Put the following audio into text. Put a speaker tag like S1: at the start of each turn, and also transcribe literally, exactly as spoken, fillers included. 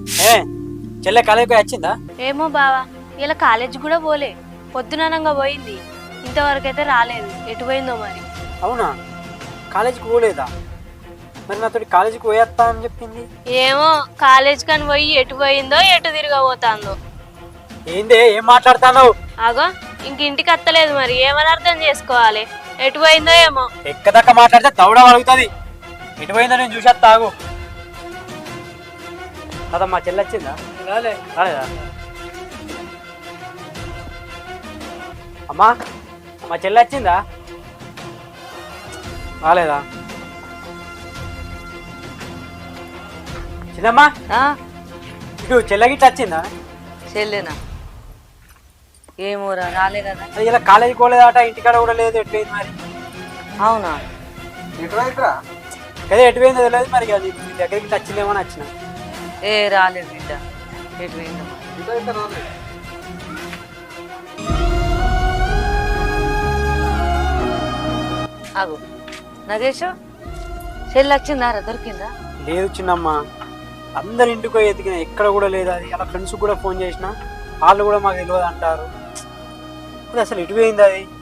S1: ఏ చెల్లె కాలేజీకి వచ్చిందా?
S2: ఏమో బావా, ఇలా కాలేజ్ కూడా పోలే, పొద్దుననంగా పోయింది, ఇంతవరకు అయితే రాలేదు. ఎటు పోయిందో మరి.
S1: అవునా, కాలేజీకి పోలేదా? మరి నాతోటి కాలేజీకి పోయేస్తా అని చెప్పింది.
S2: ఏమో కాలేజ్ కని పోయి ఎటు పోయిందో ఎటు తిరగబోతాందో.
S1: ఏందే ఏం మాట్లాడుతున్నావు?
S2: ఆగో ఇంక ఇంటికి అత్తలేదు, మరి ఏమని అర్థం చేసుకోవాలి? ఎటు పోయిందో ఏమో.
S1: ఎక్కదక్క మాట్లాడితే దౌడ అడుగుతుంది. ఎటు పోయిందో నేను చూసేస్తా, ఆగు. కదా మా చెల్లి వచ్చిందా? రాలే. రాలేదా? అమ్మా, మా చెల్లి వచ్చిందా? రాలేదా? చిన్నమ్మా, ఇటు చెల్లెగిట్ట వచ్చిందా?
S3: చెల్లేనా? ఏమోరా, రాలే కదా.
S1: అది ఇలా కాలేజీకి పోలేదట, ఇంటికాడ కూడా లేదు. ఎటుపోయింది మరి?
S3: అవునా?
S1: అదే ఎటుపోయిందో తెలియదు మరి. అది మీ దగ్గరికి వచ్చిందేమో అని వచ్చిన.
S3: ఏ రాలేదు బిడ్డ, ఎటు పోయిందో. ఆగు నగేష్, చెల్లి వచ్చిందారా? దొరికిందా?
S1: లేదు చిన్నమ్మ, అందరి ఇంటికి పోయి ఎతికిన, ఎక్కడ కూడా లేదు. అది అలా ఫ్రెండ్స్ కూడా ఫోన్ చేసిన, వాళ్ళు కూడా మాకు తెలియదు అంటారు. అది అసలు ఎటు పోయింది అది?